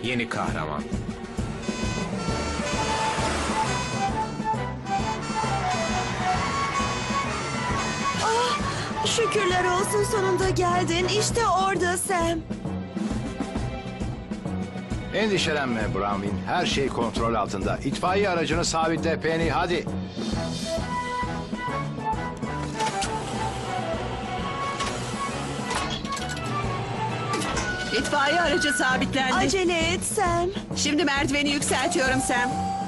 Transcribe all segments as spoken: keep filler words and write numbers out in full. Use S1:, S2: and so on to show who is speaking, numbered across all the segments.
S1: yeni kahraman.
S2: Şükürler olsun, sonunda geldin. İşte orada Sam.
S3: Endişelenme Bronwyn. Her şey kontrol altında. İtfaiye aracını sabitle Penny, hadi.
S4: İtfaiye aracı sabitlendi.
S2: Acele et Sam.
S4: Şimdi merdiveni yükseltiyorum Sam.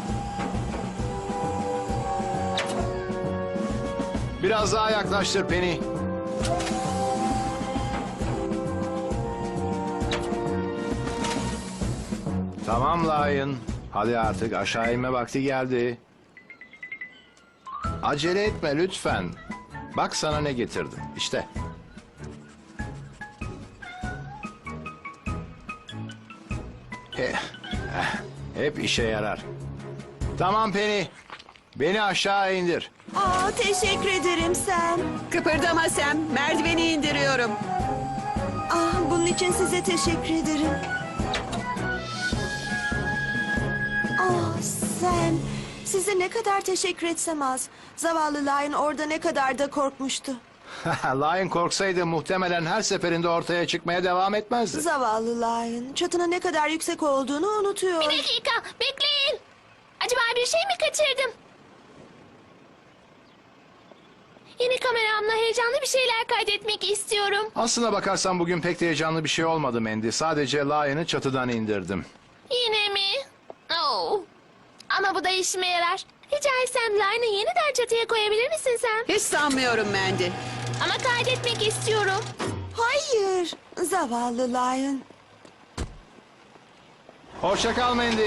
S3: Biraz daha yaklaştır Penny. Tamam Lion. Hadi artık aşağı inme vakti geldi. Acele etme lütfen. Bak sana ne getirdim. İşte. Eh, eh, Hep işe yarar. Tamam Penny. Beni aşağı indir.
S2: Aa, teşekkür ederim Sam.
S4: Kıpırdama Sam. Merdiveni indiriyorum.
S2: Ah, bunun için size teşekkür ederim. Ah Sam, size ne kadar teşekkür etsem az. Zavallı Lion orada ne kadar da korkmuştu.
S3: Lion korksaydı muhtemelen her seferinde ortaya çıkmaya devam etmezdi.
S2: Zavallı Lion, çatının ne kadar yüksek olduğunu unutuyor.
S5: Bir dakika, bekleyin. Acaba bir şey mi kaçırdım? Yeni kameramla heyecanlı bir şeyler kaydetmek istiyorum.
S3: Aslına bakarsan bugün pek de heyecanlı bir şey olmadı Mandy. Sadece Lion'ı çatıdan indirdim.
S5: Yine mi? Oh. Ama bu da işime yarar. Rica etsem Lion'ı yeniden çatıya koyabilir misin sen?
S4: Hiç sanmıyorum Mandy.
S5: Ama kaydetmek istiyorum.
S2: Hayır, zavallı Lion.
S3: Hoşça kal Mandy.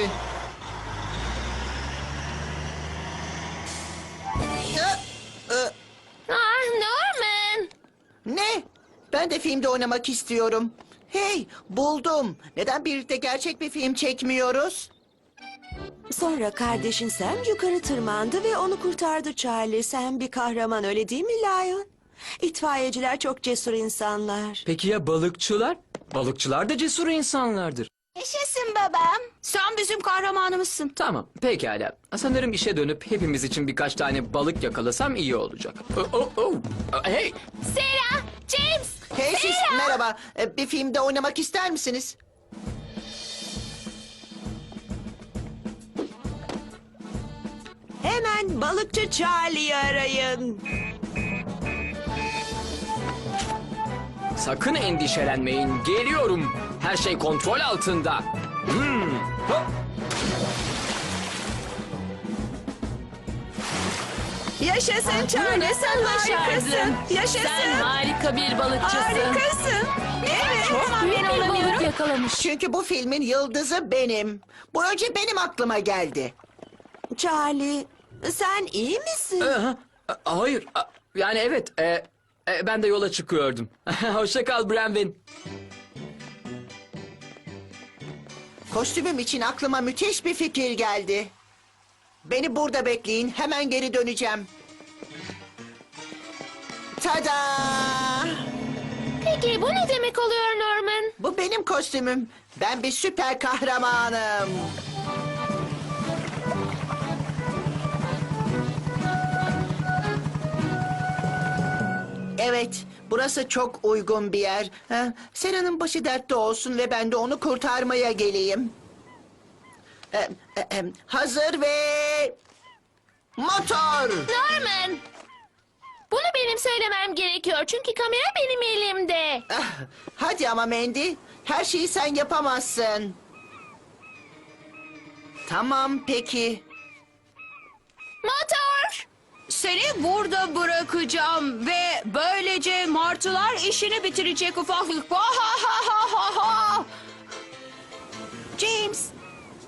S5: Ah Norman.
S6: Ne? Ben de filmde oynamak istiyorum. Hey, buldum. Neden birlikte gerçek bir film çekmiyoruz?
S2: Sonra kardeşin Sam yukarı tırmandı ve onu kurtardı Charlie. Sam bir kahraman, öyle değil mi Lion? İtfaiyeciler çok cesur insanlar.
S7: Peki ya balıkçılar? Balıkçılar da cesur insanlardır.
S5: Yaşasın babam.
S2: Sen bizim kahramanımızsın.
S7: Tamam, pekala. Sanırım işe dönüp hepimiz için birkaç tane balık yakalasam iyi olacak. Oh, oh, oh. Hey,
S5: Sarah, James.
S6: Hey siz, merhaba. Ee, Bir filmde oynamak ister misiniz?
S2: Hemen balıkçı Charlie'yi arayın.
S7: sakın endişelenmeyin. Geliyorum. Her şey kontrol altında. Hmm. Hop.
S2: Yaşasın Charlie, sen harikasın. Yaşasın.
S5: Sen harika bir balıkçısın.
S2: Harikasın. Evet.
S5: Ama ben olamıyorum. Yakalamış.
S6: Çünkü bu filmin yıldızı benim. Bu önce benim aklıma geldi.
S2: Charlie, sen iyi misin?
S7: Aha, a- Hayır. a- Yani evet. e, e, ben de yola çıkıyordum. Hoşça kal Bronwyn.
S6: Kostümüm için aklıma müthiş bir fikir geldi. Beni burada bekleyin. Hemen geri döneceğim. Tada!
S5: Peki bu ne demek oluyor Norman?
S6: Bu benim kostümüm. Ben bir süper kahramanım. Evet, burası çok uygun bir yer. Ha, Sera'nın başı dertte olsun ve ben de onu kurtarmaya geleyim. Ee, e, e, hazır ve... Motor!
S5: Norman. Bunu benim söylemem gerekiyor çünkü kamera benim elimde.
S6: Ah, hadi ama Mandy, her şeyi sen yapamazsın. Tamam, peki.
S5: Motor.
S2: Seni burada bırakacağım ve böylece martılar işini bitirecek ufaklık.
S6: James!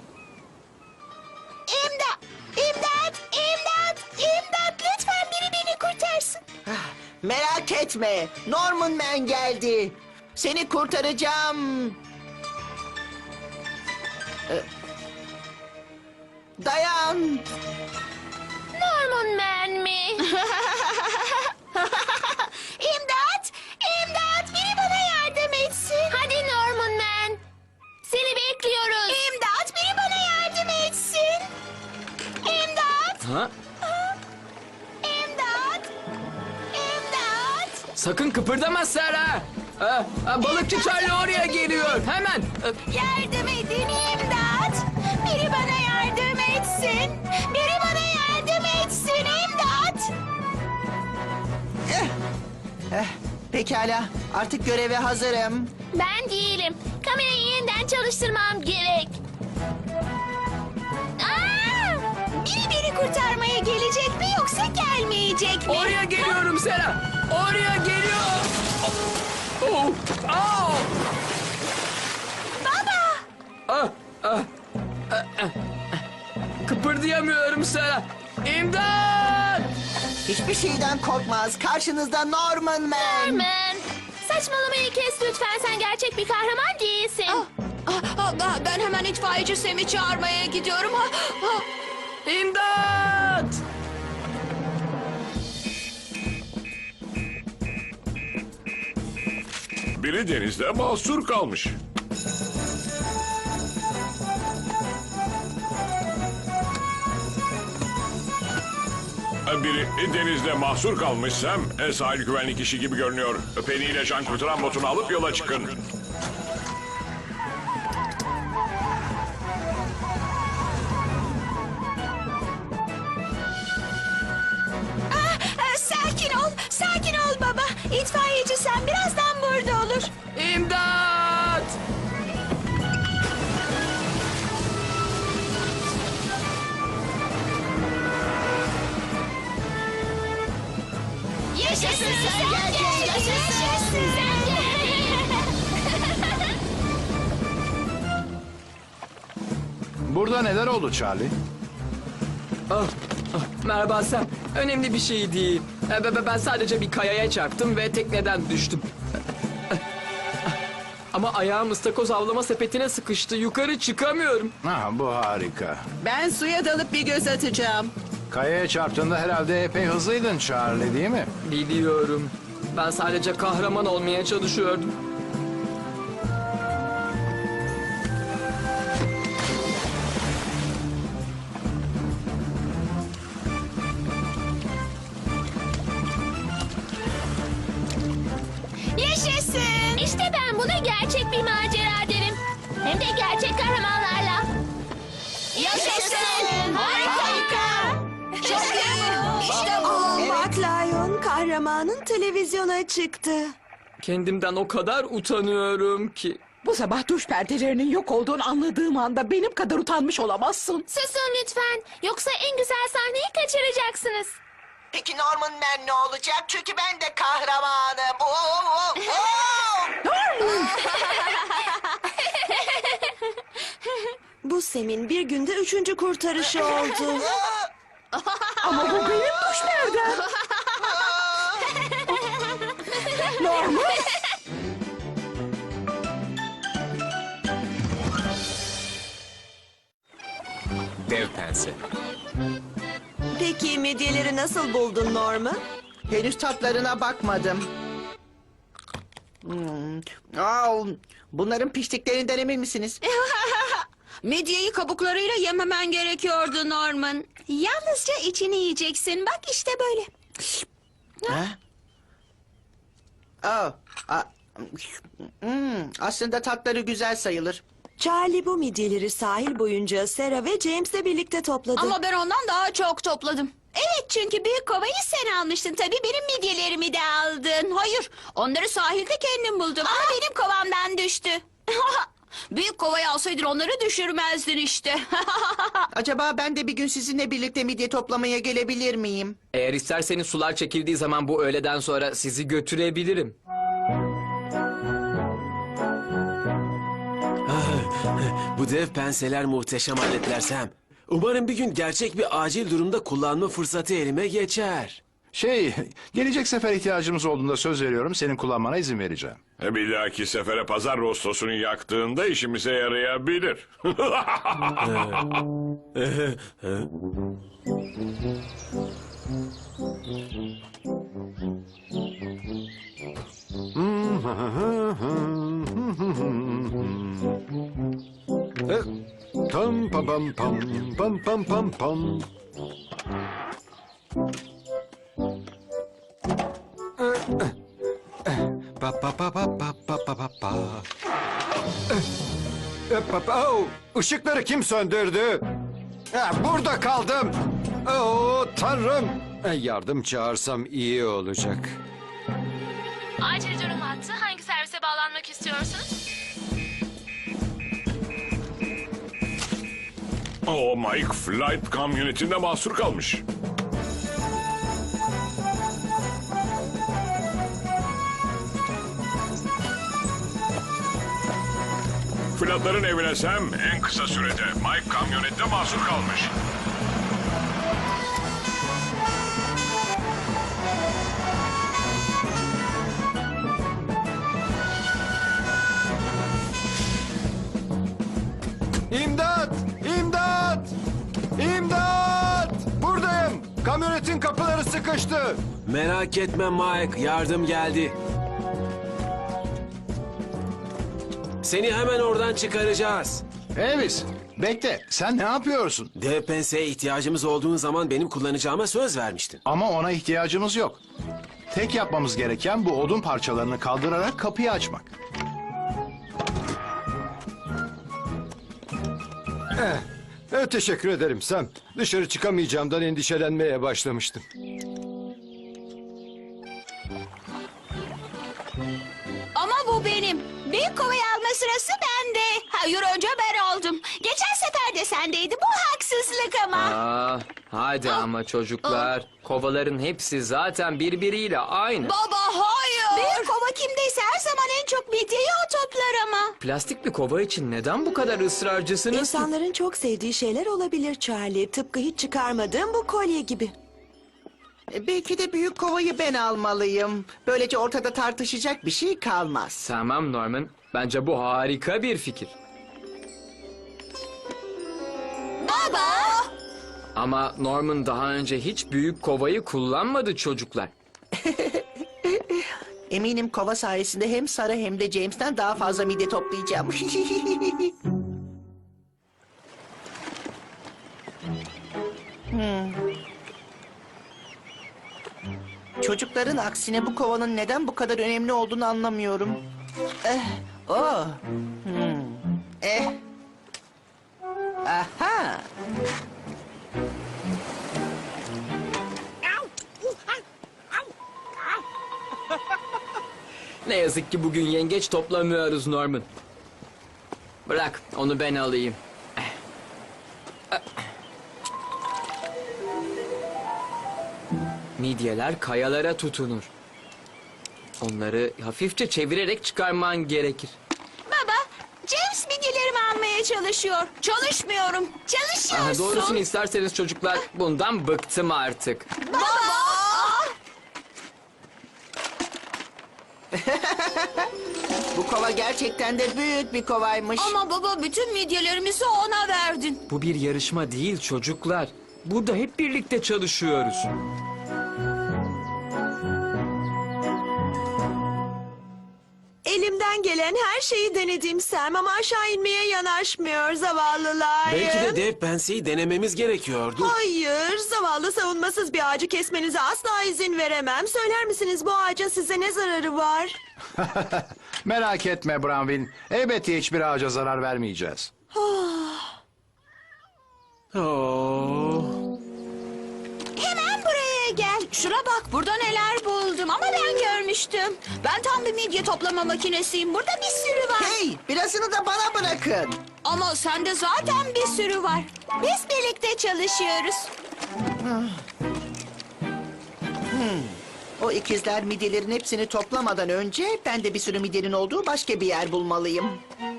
S6: İmdat! İmdat! İmdat! İmdat! Lütfen biri beni kurtarsın. Ah, merak etme. Norman Man geldi. Seni kurtaracağım. Ee, Dayan.
S5: Norman Man mi? İmdat! İmdat! Biri bana yardım etsin. Hadi Norman Man. Seni bekliyoruz.
S7: Sakın kıpırdama Sera. Ha, ha, balıkçı Charlie oraya geliyor. Hemen. Ha,
S5: Yardım edin imdat. Biri bana yardım etsin. Biri bana yardım etsin imdat.
S6: Pekala, artık göreve hazırım.
S5: Ben değilim. Kamerayı yeniden çalıştırmam gerek. Aa! Biri beni kurtarmaya gelecek mi yoksa gelmeyecek mi?
S7: Oraya geliyorum Sera. Oraya geliyor. Oh, oh.
S5: Baba!
S7: Ah, ah, ah, ah. Kıpırdayamıyorum Sera. İmdat!
S6: Hiçbir şeyden korkmaz. Karşınızda Norman Man.
S5: Norman! Saçmalamayı kes lütfen. Sen gerçek bir kahraman değilsin. Ben hemen itfaiyeci Sam'i çağırmaya gidiyorum.
S7: İmdat!
S1: Biri denizde mahsur kalmış. Biri denizde mahsur kalmışsam e, sahil güvenlik işi gibi görünüyor. Penny ile can kurtaran botunu alıp yola çıkın.
S5: Sakin ol, sakin ol baba. İtfaiyeci Sam birazdan burada olur.
S7: İmdat!
S5: Yaşasın sen geldin, yaşasın sen geldin.
S3: Burada neler oldu Charlie?
S7: Ah, ah, merhaba Sam. Önemli bir şey değil. E, be- be- Ben sadece bir kayaya çarptım ve tekneden düştüm. Ama ayağım ıstakoz avlama sepetine sıkıştı. Yukarı çıkamıyorum.
S3: Ha, bu harika.
S4: Ben suya dalıp bir göz atacağım.
S3: Kayaya çarptığında herhalde epey hızlıydın Charlie, değil mi?
S7: Biliyorum. Ben sadece kahraman olmaya çalışıyordum.
S5: Yaşasın. İşte ben buna gerçek bir macera derim. Hem de gerçek kahramanlarla. Yaşasın. Harika. Çok iyi. İşte bu.
S2: Bak Lion, kahramanın televizyona çıktı.
S7: Kendimden o kadar utanıyorum ki.
S8: Bu sabah duş perdelerinin yok olduğunu anladığım anda benim kadar utanmış olamazsın.
S5: Susun lütfen. Yoksa en güzel sahneyi kaçıracaksınız.
S6: Peki Norman Man ne olacak? Çünkü ben de kahramanım. Oo, oo, oo.
S2: Bu Sam'in bir günde üçüncü kurtarışı oldu.
S8: Ama bu benim duş perdem. Normal.
S9: Dev pense.
S2: Peki midyeleri nasıl buldun Norman?
S6: Henüz tatlarına bakmadım. Hmm. Aa, bunların piştiklerinden emin misiniz?
S10: Medyeyi kabuklarıyla yememen gerekiyordu Norman. Yalnızca içini yiyeceksin. Bak işte böyle.
S6: Ha? Aa, a- hmm, aslında tatları güzel sayılır.
S2: Charlie bu midyeleri sahil boyunca Sarah ve James'le birlikte topladı.
S10: Ama ben ondan daha çok topladım. Evet, çünkü büyük kovayı sen almıştın. Tabii benim midyelerimi de aldın. Hayır, onları sahilde kendim buldum. Ama benim kovamdan düştü. Büyük kovayı alsaydın onları düşürmezdin işte.
S6: Acaba ben de bir gün sizinle birlikte midye toplamaya gelebilir miyim?
S7: Eğer isterseniz sular çekildiği zaman bu öğleden sonra sizi götürebilirim.
S9: Bu dev penseler muhteşem aletler Sam. Umarım bir gün gerçek bir acil durumda kullanma fırsatı elime geçer.
S3: Şey, gelecek sefer ihtiyacımız olduğunda söz veriyorum, senin kullanmana izin vereceğim.
S1: E, Bir dahaki sefere pazar rostosunu yaktığında işimize yarayabilir.
S3: Pam pam pam pam pam pam pam pam. pa pa pa pa pa. Öp, öp, oh, ışıkları kim söndürdü? Ha, burada kaldım. Oh, Tanrım. Eh, Yardım çağırsam iyi olacak.
S5: Acil durum hattı. Hangi servise bağlanmak istiyorsunuz?
S1: O Mike flight kamyonetinde mahsur kalmış. Flatların evine Sam en kısa sürede Mike kamyonette mahsur kalmış.
S3: İmdat! İmdat! İmdat! Buradayım. Kamyonetin kapıları sıkıştı.
S9: Merak etme Mike, yardım geldi. Seni hemen oradan çıkaracağız.
S3: Elvis, bekle. Sen ne yapıyorsun?
S9: Dev pense'ye ihtiyacımız olduğu zaman benim kullanacağıma söz vermiştin.
S3: Ama ona ihtiyacımız yok. Tek yapmamız gereken bu odun parçalarını kaldırarak kapıyı açmak. Eh, teşekkür ederim Sam. Dışarı çıkamayacağımdan endişelenmeye başlamıştım.
S10: Ama bu benim. Büyük kovayı alma sırası bende. Hayır önce ben aldım. Geçen sefer de sendeydi. Bu haksızlık ama.
S7: Aa, hadi
S10: Ah.
S7: ama çocuklar. Kovaların hepsi zaten birbiriyle aynı.
S10: Baba hayır. Büyük kova kimdeyse her zaman en çok midyeyi o toplar ama.
S7: Plastik bir kova için neden bu kadar ısrarcısınız?
S2: İnsanların çok sevdiği şeyler olabilir Charlie. Tıpkı hiç çıkarmadığım bu kolye gibi.
S6: E, Belki de büyük kovayı ben almalıyım. Böylece ortada tartışacak bir şey kalmaz.
S7: Tamam Norman. Bence bu harika bir fikir.
S10: Baba.
S7: Ama Norman daha önce hiç büyük kovayı kullanmadı çocuklar.
S6: Eminim kova sayesinde hem Sara hem de James'ten daha fazla midye toplayacağım. Hmm. Çocukların aksine bu kovanın neden bu kadar önemli olduğunu anlamıyorum. Eh, oh. Hmm. Eh. Aha.
S7: Ne yazık ki bugün yengeç toplamıyoruz Norman. Bırak onu ben alayım. Midyeler kayalara tutunur. Onları hafifçe çevirerek çıkarman gerekir.
S10: Baba. James midyelerimi almaya çalışıyor. Çalışmıyorum. Çalışıyorsun.
S7: Aha, doğrusunu isterseniz çocuklar bundan bıktım artık.
S10: Baba.
S6: Bu kova gerçekten de büyük bir kovaymış.
S10: Ama baba bütün midyelerimizi ona verdin.
S7: Bu bir yarışma değil çocuklar. Burada hep birlikte çalışıyoruz.
S2: Elimden gelen her şeyi denedim Sam ama aşağı inmeye yanaşmıyor zavallılar.
S9: Belki de dev penseyi denememiz gerekiyordu.
S2: Hayır, zavallı savunmasız bir ağacı kesmenize asla izin veremem. Söyler misiniz bu ağacın size ne zararı var?
S3: Merak etme Bronwyn. Elbette hiçbir ağaca zarar vermeyeceğiz.
S9: Oo.
S10: Hemen buraya gel. Şuna bak burada neler buldum ama ben görmüştüm. Ben tam bir midye toplama makinesiyim. Burada bir sürü var.
S6: Hey, birazını da bana bırakın.
S10: Ama sende zaten bir sürü var. Biz birlikte çalışıyoruz.
S6: O ikizler midyelerin hepsini toplamadan önce ben de bir sürü midyenin olduğu başka bir yer bulmalıyım.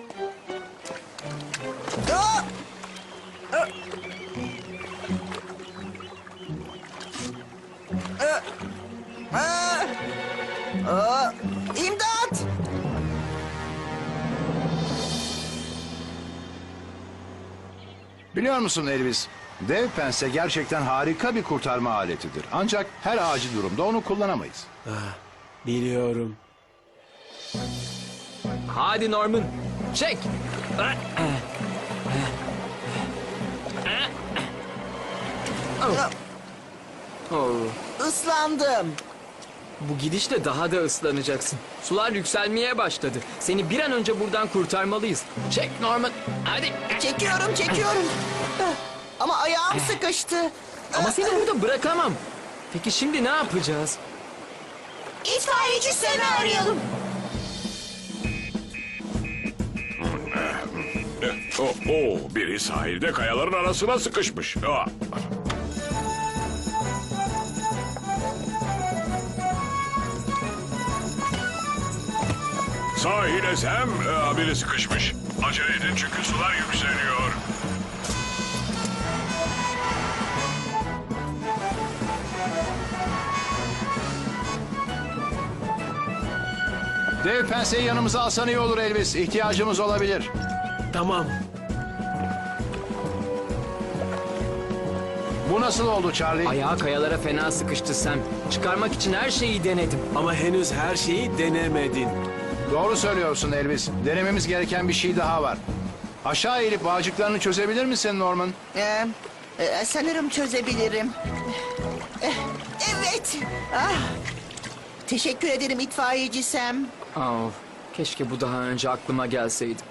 S6: Aa! Aa! Aa! Aa! Aa! İmdat!
S3: Biliyor musun Elvis? Dev pense gerçekten harika bir kurtarma aletidir. Ancak her acil durumda onu kullanamayız.
S9: Biliyorum.
S7: Hadi Norman, çek. Oh.
S6: Islandım.
S7: Bu gidişle daha da ıslanacaksın. Sular yükselmeye başladı. Seni bir an önce buradan kurtarmalıyız. Çek Norman. Hadi.
S6: Çekiyorum, çekiyorum. Ah, Ama ayağım sıkıştı.
S7: Ama seni burada bırakamam. Peki şimdi ne yapacağız?
S10: İtfaiyeci Sam'i arayalım.
S1: Eh, Oh, oh, biri sahilde kayaların arasına sıkışmış. Ah. Sahile Sam, ah, biri sıkışmış. Acele edin çünkü sular yükseliyor.
S11: Dev penseyi yanımıza alsan iyi olur Elvis. İhtiyacımız olabilir.
S9: Tamam.
S11: Bu nasıl oldu Charlie?
S7: Ayağı kayalara fena sıkıştı Sam. Çıkarmak için her şeyi denedim.
S9: Ama henüz her şeyi denemedin.
S11: Doğru söylüyorsun Elvis. Denememiz gereken bir şey daha var. Aşağı eğilip bağcıklarını çözebilir misin Norman?
S6: Ee, e, sanırım çözebilirim. Eh, Evet. Ah. Teşekkür ederim itfaiyeci Sam.
S7: Of, keşke bu daha önce aklıma gelseydi.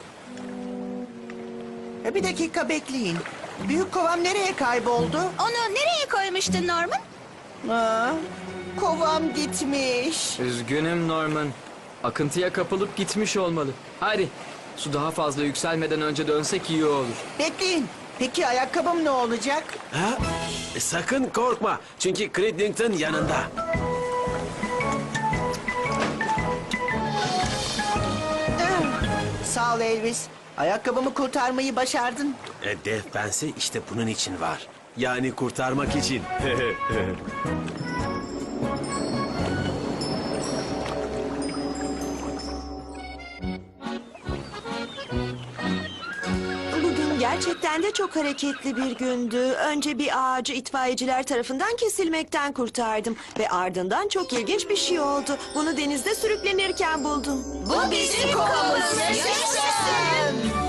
S6: E, Bir dakika bekleyin. Büyük kovam nereye kayboldu?
S10: Onu nereye koymuştun Norman?
S6: Aa, kovam gitmiş.
S7: Üzgünüm Norman. Akıntıya kapılıp gitmiş olmalı. Hadi, su daha fazla yükselmeden önce dönsek iyi olur.
S6: Bekleyin. Peki ayakkabım ne olacak?
S9: Ha? E, sakın korkma. Çünkü Cridlington yanında.
S6: Ah, Sağ ol Elvis. Ayakkabımı kurtarmayı başardın.
S9: E, dev pense işte bunun için var. Yani kurtarmak için.
S2: Bugün gerçekten de çok hareketli bir gündü. Önce bir ağacı itfaiyeciler tarafından kesilmekten kurtardım. Ve ardından çok ilginç bir şey oldu. Bunu denizde sürüklenirken buldum.
S10: Bu bizim kovamız. Yaşasın.